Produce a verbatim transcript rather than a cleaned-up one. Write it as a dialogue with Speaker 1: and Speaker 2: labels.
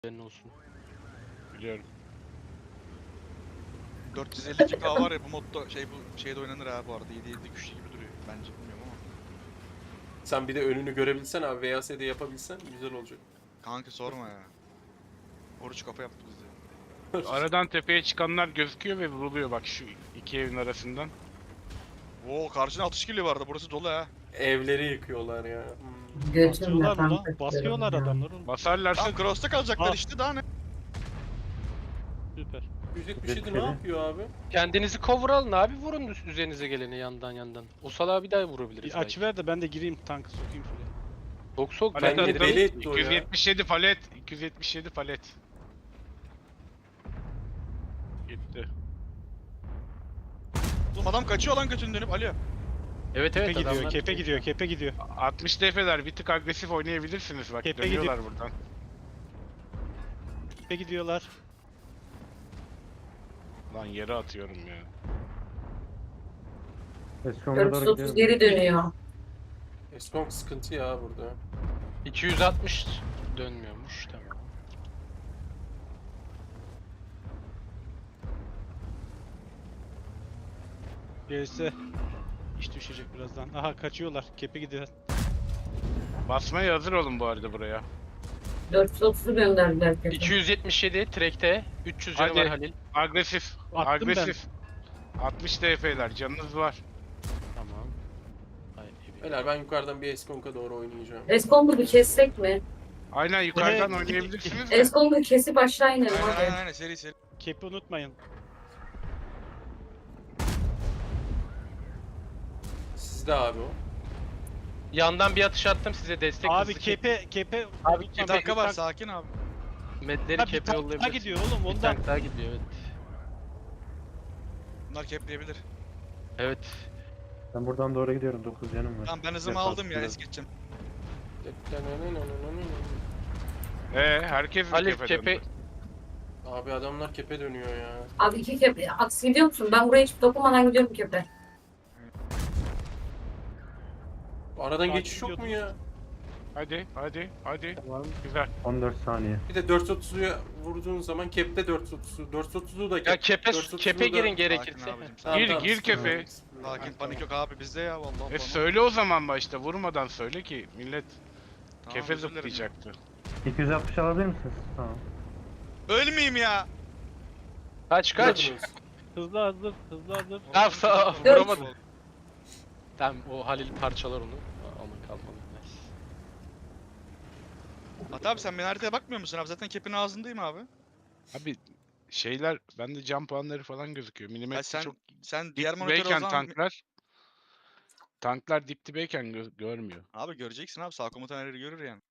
Speaker 1: Senin olsun.
Speaker 2: Biliyorum.
Speaker 3: dört yüz elli iki K var ya bu modda şey bu şeyde oynanır ha bu arada. yedi yedi güçlü gibi duruyor bence, bilmiyorum ama.
Speaker 4: Sen bir de önünü görebilsen abi, V A S'de yapabilsen güzel olacak.
Speaker 3: Kanka sorma ya. Oruç kafa yaptı bizi.
Speaker 2: Aradan tepeye çıkanlar gözüküyor ve vuruluyor bak şu iki evin arasından.
Speaker 3: Oo, karşına atış geliyor vardı. Burası dolu ha.
Speaker 4: Evleri yıkıyorlar ya. Hmm.
Speaker 5: Götümle
Speaker 6: Atıyorlar mı lan?
Speaker 5: kanka
Speaker 6: Basıyorlar
Speaker 5: diyorum ya.
Speaker 6: adamları. oğlum.
Speaker 2: Basarlarsa
Speaker 3: Tam cross'ta kalacaklar
Speaker 6: Ah.
Speaker 3: işte, daha ne?
Speaker 6: Süper.
Speaker 4: yüz yetmiş yedi ne yapıyor abi?
Speaker 1: Kendinizi cover alın abi, vurun üst- üzerinize geleni yandan yandan. O salağı bir daha vurabiliriz
Speaker 6: Bir
Speaker 1: belki.
Speaker 6: aç ver de ben de gireyim tankı sokayım şuraya.
Speaker 1: Sok sok
Speaker 2: palet
Speaker 4: Ben de
Speaker 1: ben
Speaker 2: attım.
Speaker 4: deli etti o ya.
Speaker 2: iki yüz yetmiş yedi palet. iki yüz yetmiş yedi palet. Gitti.
Speaker 3: Oğlum adam kaçıyor lan götünü dönüp Alo.
Speaker 1: Evet
Speaker 6: Kepe
Speaker 1: evet
Speaker 6: gidiyor,
Speaker 1: adamlar.
Speaker 6: kepe gidiyor, kepe gidiyor.
Speaker 2: altmış D P'ler bir tık agresif oynayabilirsiniz bak,
Speaker 6: Kepe
Speaker 2: dönüyorlar buradan.
Speaker 6: Kepe gidiyorlar.
Speaker 2: Lan yere atıyorum ya.
Speaker 5: dört yüz otuz geri dönüyor.
Speaker 4: Eskong sıkıntı ya burada.
Speaker 1: iki yüz altmış dönmüyormuş, tamam.
Speaker 6: Gelse iş düşecek birazdan. Aha kaçıyorlar, kepe gidiyor.
Speaker 2: Basmaya hazır olun bu arada buraya.
Speaker 5: dört yüz otuzu gönderdiler kepe.
Speaker 1: iki yüz yetmiş yedi track'te, üç yüz canı
Speaker 2: Hadi.
Speaker 1: var Halil.
Speaker 2: Agresif.
Speaker 6: Attım ben.
Speaker 2: agresif. altmış D P'ler canınız var.
Speaker 1: Tamam. Ay, iyi.
Speaker 4: Beyler ben yukarıdan bir Eskong'a doğru oynayacağım.
Speaker 5: Eskongu bir kessek mi?
Speaker 2: Aynen yukarıdan
Speaker 6: Evet.
Speaker 2: oynayabilirsiniz de.
Speaker 5: Eskongu kesip aşağı inelim
Speaker 3: Aynen aynen
Speaker 5: hadi.
Speaker 3: aynen, seri seri.
Speaker 6: Kepi unutmayın.
Speaker 4: Sizde abi o.
Speaker 1: Yandan bir atış attım size, destek
Speaker 6: Abi
Speaker 1: hızlı
Speaker 6: kepe, kepe.
Speaker 1: Abi,
Speaker 3: Bir
Speaker 1: kepe-
Speaker 3: dakika var,
Speaker 6: tank-
Speaker 3: sakin abi.
Speaker 1: Medleri
Speaker 6: Ha, bir
Speaker 1: kepe
Speaker 6: tank daha
Speaker 1: yollayabiliriz.
Speaker 6: gidiyor oğlum
Speaker 1: Bir
Speaker 6: ondan.
Speaker 1: tank daha gidiyor, evet.
Speaker 3: Bunlar kepleyebilir.
Speaker 1: Evet.
Speaker 7: Ben buradan doğru gidiyorum. dokuz canım var.
Speaker 3: Tamam, ben hızımı
Speaker 7: Defans
Speaker 3: aldım ya,
Speaker 7: biraz.
Speaker 3: es geçeceğim.
Speaker 2: Ee, herkes mi
Speaker 1: Halil
Speaker 2: kepe
Speaker 1: kepe
Speaker 2: döndü?
Speaker 4: Abi adamlar kepe dönüyor ya.
Speaker 5: Abi iki kepe. Aksi gidiyor musun? Ben buraya hiç dokunmadan gidiyorum kepe.
Speaker 4: Aradan
Speaker 6: Takip
Speaker 4: geçiş yok mu
Speaker 6: ediyordunuz.
Speaker 4: ya?
Speaker 2: Hadi hadi hadi.
Speaker 7: Tamam.
Speaker 2: Güzel.
Speaker 7: on dört saniye.
Speaker 4: Bir de dört yüz otuzuya vurduğun zaman kepte dört yüz otuzu. dört yüz otuzu da
Speaker 1: ya
Speaker 4: kep.
Speaker 1: kepe
Speaker 4: dört yüz otuzu
Speaker 1: kepe
Speaker 4: da-
Speaker 1: girin
Speaker 3: Sakin
Speaker 1: gerekirse.
Speaker 3: abicim,
Speaker 4: Tamam,
Speaker 2: Gir,
Speaker 4: tamam,
Speaker 2: gir
Speaker 4: sıkıntı
Speaker 2: kepe.
Speaker 4: yok, sıkıntı yok.
Speaker 3: Sakin, panik yok abi bizde ya vallahi.
Speaker 2: E
Speaker 3: bana.
Speaker 2: söyle o zaman başta, vurmadan söyle ki millet
Speaker 3: Tamam,
Speaker 2: kefe
Speaker 3: özür dilerim ya.
Speaker 2: zıplayacaktı.
Speaker 7: iki yüz altmış alabilir misiniz? Tamam.
Speaker 3: Ölmeyeyim ya.
Speaker 1: Kaç kaç.
Speaker 4: Vurdunuz.
Speaker 6: Hızlı hazır, hızlı hazır.
Speaker 1: Ya sağ
Speaker 5: Dört.
Speaker 1: vuramadım. Tamam, o Halil parçalar onu. Ama kalmadı.
Speaker 3: At abi, sen benim haritaya bakmıyor musun abi? Zaten kepin ağzındayım abi.
Speaker 2: Abi şeyler bende can puanları falan gözüküyor.
Speaker 3: Ya
Speaker 2: Milimetre
Speaker 3: sen
Speaker 2: çok
Speaker 3: sen diğer monitörü o
Speaker 2: dipteyken
Speaker 3: zaman...
Speaker 2: tanklar tanklar dip dibeyken gö- görmüyor.
Speaker 3: Abi göreceksin abi, sağ komutan her yeri görür yani.